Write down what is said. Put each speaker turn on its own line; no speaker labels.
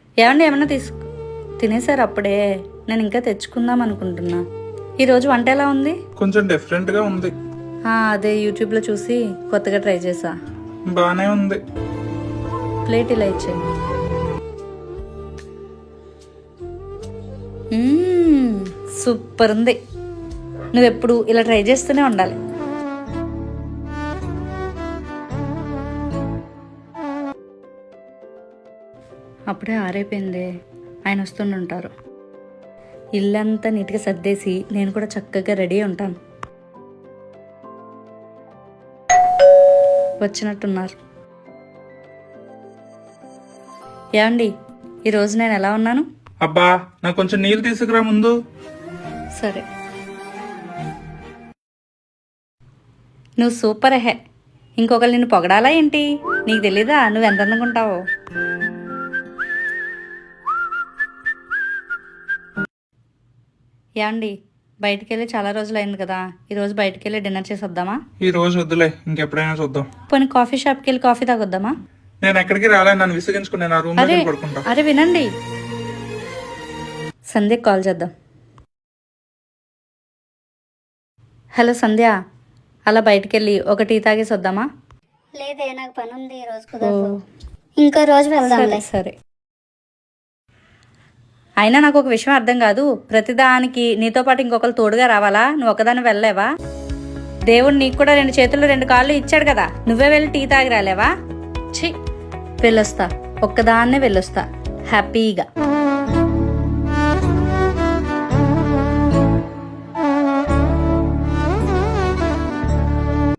ఏమండి ఏమన్నా తినేసారు అప్పుడే? నేను ఇంకా తెచ్చుకుందాం అనుకుంటున్నా. ఈరోజు వంట ఎలా ఉంది?
కొంచెం డిఫరెంట్ గా ఉంది.
అదే యూట్యూబ్లో చూసి కొత్తగా ట్రై చేసా.
బానే ఉంది.
ప్లేట్ ఇలా ఇచ్చేయి. సూపర్ ఉంది. నువ్వెప్పుడు ఇలా ట్రై చేస్తూనే ఉండాలి. అప్పుడే ఆరైపోయింది. ఆయన వస్తుండుంటారు. ఇల్లంతా నీట్గా సర్దేసి నేను కూడా చక్కగా రెడీ ఉంటాను. వచ్చినట్టున్నారు. ఏమండి, ఈరోజు నేను ఎలా ఉన్నాను?
అబ్బా, నాకు కొంచెం నీళ్ళు తీసుకురా ముందు.
సరే. నువ్వు సూపర్ హే. ఇంకొకరు నిన్ను పొగడాలా ఏంటి? నీకు తెలీదా నువ్వు ఎంత అందంగా ఉంటావో? ఏమండి, బయటికి వెళ్ళి చాలా రోజులు అయింది కదా, ఈరోజు బయటికి వెళ్ళి డిన్నర్ చేసి వద్దామా?
ఈ రోజు వద్దులే, ఇంకెప్పుడైనా చూద్దాం.
పోనీ కాఫీ షాప్కి వెళ్ళి కాఫీ తాగొద్దామా?
నేను ఎక్కడికి రాలే, నన్ను విసిగించుకుని నేను ఆ రూమ్ లో పడుకుంటా.
అరే వినండి, సంధ్యకి కాల్ చేద్దాం. హలో సంధ్య, అలా బయటికి వెళ్ళి ఒక టీ తాగేసి వద్దామా?
లేదే, నాకు పని ఉంది, ఈ రోజు కుదరదు. ఇంకో రోజు వెళ్దాం.
సరే. అయినా నాకు ఒక విషయం అర్థం కాదు, ప్రతిదానికి నీతో పాటు ఇంకొకరు తోడుగా రావాలా? నువ్వు ఒకదాన్ని వెళ్ళలేవా? దేవుడు నీకు కూడా 2 చేతులు 2 కాళ్ళు ఇచ్చాడు కదా, నువ్వే వెళ్ళి టీ తాగి రాలేవా? ఛీ, వెళ్ళొస్తా, ఒక్కదాన్నే వెళ్ళొస్తా హ్యాపీగా.